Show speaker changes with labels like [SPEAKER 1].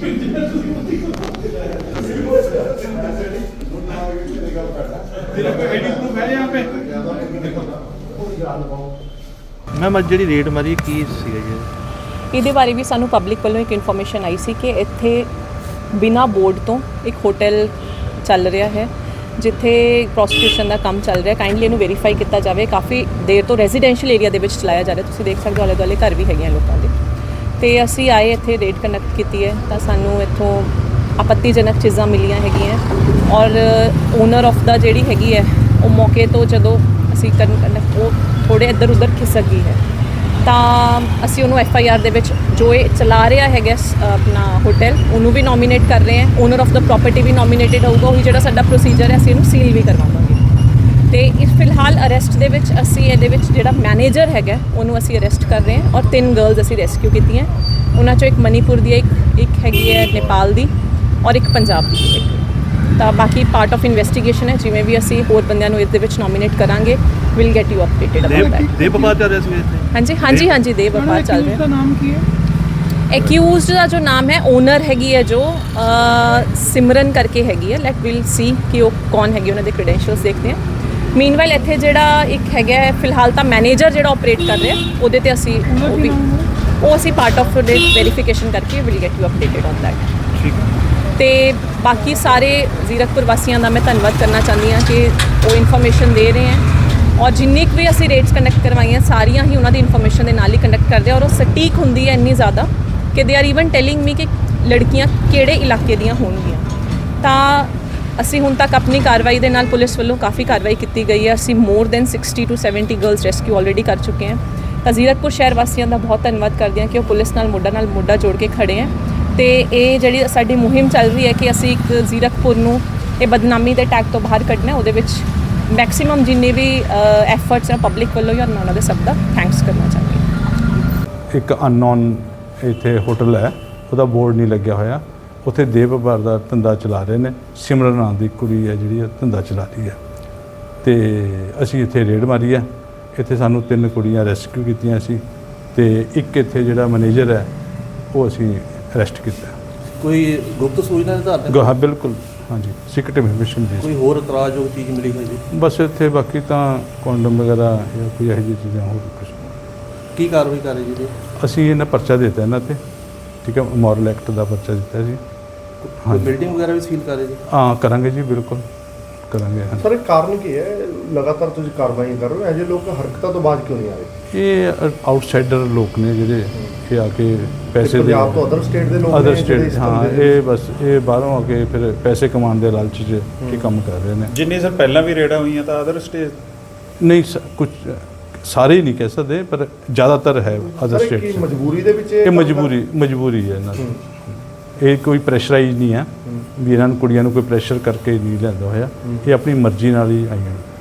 [SPEAKER 1] Ma'am अज जी red मारी की सीगा जी?
[SPEAKER 2] ਇਹਦੇ ਬਾਰੇ ਵੀ ਸਾਨੂੰ ਪਬਲਿਕ ਵੱਲੋਂ ਇੱਕ ਇਨਫੋਰਮੇਸ਼ਨ ਆਈ ਸੀ ਕਿ ਇੱਥੇ ਬਿਨਾਂ ਬੋਰਡ ਤੋਂ ਇੱਕ ਹੋਟਲ ਚੱਲ ਰਿਹਾ ਹੈ ਜਿੱਥੇ ਪ੍ਰੋਸਟੀਟਿਊਸ਼ਨ ਦਾ ਕੰਮ ਚੱਲ ਰਿਹਾ। ਕਾਈਂਡਲੀ ਇਹਨੂੰ ਵੈਰੀਫਾਈ ਕੀਤਾ ਜਾਵੇ। ਕਾਫੀ ਦੇਰ ਤੋਂ ਰੈਜ਼ੀਡੈਂਸ਼ੀਅਲ ਏਰੀਆ ਦੇ ਵਿੱਚ ਚਲਾਇਆ ਜਾ ਰਿਹਾ। ਤੁਸੀਂ ਦੇਖ ਸਕਦੇ ਹੋ ਆਲੇ ਦੁਆਲੇ ਘਰ ਵੀ ਹੈਗੇ ਲੋਕਾਂ ਦੇ। ਤੇ ਅਸੀਂ ਆਏ ਇੱਥੇ ਰੇਡ ਕੰਡਕਟ ਕੀਤੀ ਹੈ ਤਾਂ ਸਾਨੂੰ ਇੱਥੋਂ ਆਪੱਤੀਜਨਕ ਚੀਜ਼ਾਂ ਮਿਲੀਆਂ ਹੈਗੀਆਂ ਔਰ ਓਨਰ ਆਫ ਦਾ ਜਿਹੜੀ ਹੈਗੀ ਹੈ ਉਹ ਮੌਕੇ ਤੋਂ ਜਦੋਂ ਅਸੀਂ ਉਹ ਥੋੜ੍ਹੇ ਇੱਧਰ ਉੱਧਰ ਖਿਸਕ ਗਈ ਹੈ ਤਾਂ ਅਸੀਂ ਉਹਨੂੰ FIR ਦੇ ਵਿੱਚ ਜੋ ਇਹ ਚਲਾ ਰਿਹਾ ਹੈਗਾ ਆਪਣਾ ਹੋਟਲ ਉਹਨੂੰ ਵੀ ਨੋਮੀਨੇਟ ਕਰ ਰਹੇ ਹਾਂ। ਓਨਰ ਆਫ ਦਾ ਪ੍ਰੋਪਰਟੀ ਵੀ ਨੋਮੀਨੇਟਡ ਹੋਊਗਾ। ਉਹੀ ਜਿਹੜਾ ਸਾਡਾ ਪ੍ਰੋਸੀਜਰ ਹੈ ਅਸੀਂ ਇਹਨੂੰ ਸੀਲ ਵੀ ਕਰਵਾਵਾਂਗੇ। ਤੇ ਇਸ ਫਿਲਹਾਲ ਅਰੈਸਟ ਦੇ ਵਿੱਚ ਅਸੀਂ ਇਹਦੇ ਵਿੱਚ ਜਿਹੜਾ ਮੈਨੇਜਰ ਹੈਗਾ ਉਹਨੂੰ ਅਸੀਂ ਅਰੈਸਟ ਕਰ ਰਹੇ ਹਾਂ ਔਰ 3 ਗਰਲਸ ਅਸੀਂ ਰੈਸਕਿਊ ਕੀਤੀਆਂ। ਉਹਨਾਂ 'ਚੋਂ ਇੱਕ ਮਨੀਪੁਰ ਦੀ ਇੱਕ ਹੈਗੀ ਹੈ ਨੇਪਾਲ ਦੀ ਔਰ ਇੱਕ ਪੰਜਾਬ ਦੀ ਹੈਗੀ। ਤਾਂ ਬਾਕੀ ਪਾਰਟ ਆਫ ਇਨਵੈਸਟੀਗੇਸ਼ਨ ਹੈ। ਜਿਵੇਂ ਵੀ ਅਸੀਂ ਹੋਰ ਬੰਦਿਆਂ ਨੂੰ ਇਸ ਦੇ ਵਿੱਚ ਨੋਮੀਨੇਟ ਕਰਾਂਗੇ will get you updated about that.
[SPEAKER 1] ਦੇਵ ਵਪਾਰ ਚੱਲ ਰਿਹਾ ਸੀ ਇੱਥੇ? ਹਾਂਜੀ
[SPEAKER 2] ਦੇਵ ਵਪਾਰ ਚੱਲ ਰਿਹਾ।
[SPEAKER 3] ਦਾ ਨਾਮ ਕੀ ਹੈ?
[SPEAKER 2] एक्यूज़ का जो नाम है ओनर हैगी है जो सिमरन करके हैगी है। लेट विल सी कि वो कौन हैगी उन्होंने क्रेडेंशियल्स देखते हैं। मीनवाइल इत्थे जिहड़ा एक हैगा फिलहाल तो मैनेजर जिहड़ा ऑपरेट कर रहा है ਉਹਦੇ ਤੇ ਅਸੀਂ ਉਹ ਅਸੀਂ ਪਾर्ट ऑफ ਦੇ वेरीफिकेशन करके will get you updated on that.
[SPEAKER 1] ठीक है।
[SPEAKER 2] ਤੇ ਬਾਕੀ ਸਾਰੇ ਜ਼ੀਰਕਪੁਰ ਵਾਸੀਆਂ ਦਾ ਮੈਂ ਧੰਨਵਾਦ ਕਰਨਾ ਚਾਹੁੰਦੀ ਹਾਂ ਕਿ ਉਹ ਇਨਫੋਰਮੇਸ਼ਨ ਦੇ ਰਹੇ ਹੈ ਔਰ ਜਿੰਨੀ ਕੁ ਵੀ ਅਸੀਂ ਰੇਡਸ ਕੰਡਕਟ ਕਰਵਾਈਆਂ ਸਾਰੀਆਂ ਹੀ ਉਹਨਾਂ ਦੀ ਇਨਫੋਰਮੇਸ਼ਨ ਦੇ ਨਾਲ ਹੀ ਕੰਡਕਟ ਕਰਦੇ ਔਰ ਉਹ ਸਟੀਕ ਹੁੰਦੀ ਹੈ ਇੰਨੀ ਜ਼ਿਆਦਾ ਕਿ they are even telling me ਕਿ ਲੜਕੀਆਂ ਕਿਹੜੇ ਇਲਾਕੇ ਦੀਆਂ ਹੋਣਗੀਆਂ। ਤਾਂ ਅਸੀਂ ਹੁਣ ਤੱਕ ਆਪਣੀ ਕਾਰਵਾਈ ਦੇ ਨਾਲ ਪੁਲਿਸ ਵੱਲੋਂ ਕਾਫੀ ਕਾਰਵਾਈ ਕੀਤੀ ਗਈ ਹੈ। ਅਸੀਂ more than 60 to 70 girls rescue already ਕਰ ਚੁੱਕੇ ਹਾਂ। ਤਾਂ ਜ਼ੀਰਕਪੁਰ ਸ਼ਹਿਰ ਵਾਸੀਆਂ ਦਾ ਬਹੁਤ ਧੰਨਵਾਦ ਕਰਦੇ ਹਾਂ ਕਿ ਉਹ ਪੁਲਿਸ ਨਾਲ ਮੋਢਾ ਜੋੜ ਕੇ ਖੜੇ ਹੈ। ਤੇ ਇਹ ਜਿਹੜੀ ਸਾਡੀ ਮੁਹਿੰਮ ਚੱਲ ਰਹੀ ਹੈ ਕਿ ਅਸੀਂ ਇੱਕ ਜ਼ੀਰਕਪੁਰ ਨੂੰ ਇਹ ਬਦਨਾਮੀ ਦੇ ਟੈਗ ਤੋਂ ਬਾਹਰ ਕੱਢਣਾ। ਉਹਦੇ ਵਿੱਚ ਮੈਕਸਿਮਮ ਜਿੰਨੇ ਵੀ ਐਫਰਟਸ ਹੈ ਪਬਲਿਕ ਵੱਲੋਂ ਜਾਂ ਉਹਨਾਂ ਦੇ ਸਭ ਦਾ ਥੈਂਕਸ ਕਰਨਾ ਚਾਹੁੰਦੀ ਹਾਂ।
[SPEAKER 4] ਇੱਕ ਅਨਨੋਨ ਇੱਥੇ ਹੋਟਲ ਹੈ ਉਹਦਾ ਬੋਰਡ ਨਹੀਂ ਲੱਗਿਆ ਹੋਇਆ। ਉੱਥੇ ਦੇਵ ਵਪਾਰ ਦਾ ਧੰਦਾ ਚਲਾ ਰਹੇ ਨੇ। ਸਿਮਰਨ ਨਾਂ ਦੀ ਕੁੜੀ ਹੈ ਜਿਹੜੀ ਧੰਦਾ ਚਲਾ ਰਹੀ ਹੈ। ਤੇ ਅਸੀਂ ਇੱਥੇ ਰੇਡ ਮਾਰੀ ਹੈ। ਇੱਥੇ ਸਾਨੂੰ 3 ਕੁੜੀਆਂ ਰੈਸਕਿਊ ਕੀਤੀਆਂ ਸੀ ਤੇ ਇੱਕ ਇੱਥੇ ਜਿਹੜਾ ਮੈਨੇਜਰ ਹੈ ਉਹ ਅਸੀਂ ਅਰੈਸਟ ਕੀਤਾ।
[SPEAKER 1] ਕੋਈ ਗੁਪਤ ਸੂਚਨਾ ਦੇ ਆਧਾਰ ਤੇ?
[SPEAKER 4] ਹਾਂ ਬਿਲਕੁਲ, ਹਾਂਜੀ ਸੀਕ੍ਰੇਟ ਇਨਫੋਰਮੇਸ਼ਨ ਦੀ।
[SPEAKER 1] ਕੋਈ ਹੋਰ ਇਤਰਾਜ਼ਯੋਗ ਚੀਜ਼ ਮਿਲੀ ਹੋਈ ਜੀ?
[SPEAKER 4] ਬਸ ਇੱਥੇ ਬਾਕੀ ਤਾਂ ਕੰਡਮ ਵਗੈਰਾ ਜਾਂ ਕੋਈ ਇਹੋ ਜਿਹੀ ਚੀਜ਼ਾਂ ਹੋਰ ਕੁਛ।
[SPEAKER 1] ਕੀ ਕਾਰਵਾਈ ਕਰ ਰਹੀ ਜੀ?
[SPEAKER 4] ਅਸੀਂ ਇਹਨਾਂ ਪਰਚਾ ਦਿੱਤਾ ਇਹਨਾਂ ਤੇ, ਠੀਕ ਹੈ, ਮੋਰਲ ਐਕਟ ਦਾ ਪਰਚਾ ਦਿੱਤਾ ਸੀ।
[SPEAKER 1] ਕੋਈ ਬਿਲਡਿੰਗ ਵਗੈਰਾ ਵੀ ਸੀਲ ਕਰ ਰਹੇ ਜੀ?
[SPEAKER 4] ਹਾਂ ਕਰਾਂਗੇ ਜੀ, ਬਿਲਕੁਲ ਕਰਾਂਗੇ।
[SPEAKER 5] ਸਰ ਇਹ ਕਾਰਨ ਕੀ ਹੈ ਲਗਾਤਾਰ ਤੁਸੀਂ ਕਾਰਵਾਈ ਕਰ ਰਹੇ ਹੋ? ਇਹੋ ਜਿਹੇ ਲੋਕ ਹਰਕਤਾਂ ਤੋਂ ਬਾਅਦ ਕਿਉਂ ਨਹੀਂ ਆ ਰਹੇ?
[SPEAKER 4] ਇਹ ਆਊਟਸਾਈਡਰ ਲੋਕ ਨੇ ਜਿਹੜੇ ਇਹ ਆ ਕੇ ਪੈਸੇ ਦੇ
[SPEAKER 5] ਪੰਜਾਬ ਤੋਂ ਅਦਰ ਸਟੇਟ ਦੇ ਲੋਕ
[SPEAKER 4] ਅਦਰ ਸਟੇਟ, ਹਾਂ ਇਹ ਬਸ ਇਹ ਬਾਹਰੋਂ ਆ ਕੇ ਫਿਰ ਪੈਸੇ ਕਮਾਉਣ ਦੇ ਲਾਲਚ 'ਚ ਇਹ ਕੰਮ ਕਰ ਰਹੇ ਨੇ।
[SPEAKER 6] ਜਿੰਨੀ ਸਰ ਪਹਿਲਾਂ ਵੀ ਰੇਡਾਂ ਹੋਈਆਂ ਤਾਂ ਅਦਰ ਸਟੇਟ
[SPEAKER 4] ਨਹੀਂ ਕੁਝ ਸਾਰੇ ਹੀ ਨਹੀਂ ਕਹਿ ਸਕਦੇ ਪਰ ਜ਼ਿਆਦਾਤਰ ਹੈ ਅਦਰ ਸਟੇਟ 'ਚ।
[SPEAKER 5] ਮਜਬੂਰੀ ਦੇ ਵਿੱਚ
[SPEAKER 4] ਇਹ ਮਜਬੂਰੀ ਹੈ ਇਹਨਾਂ ਦੀ। ਇਹ ਕੋਈ ਪ੍ਰੈਸ਼ਰਾਈਜ਼ ਨਹੀਂ ਹੈ ਵੀ ਇਹਨਾਂ ਨੂੰ ਕੁੜੀਆਂ ਨੂੰ ਕੋਈ ਪ੍ਰੈਸ਼ਰ ਕਰਕੇ ਨਹੀਂ ਲਿਆਂਦਾ ਹੋਇਆ। ਇਹ ਆਪਣੀ ਮਰਜ਼ੀ ਨਾਲ ਹੀ ਆਈਆਂ।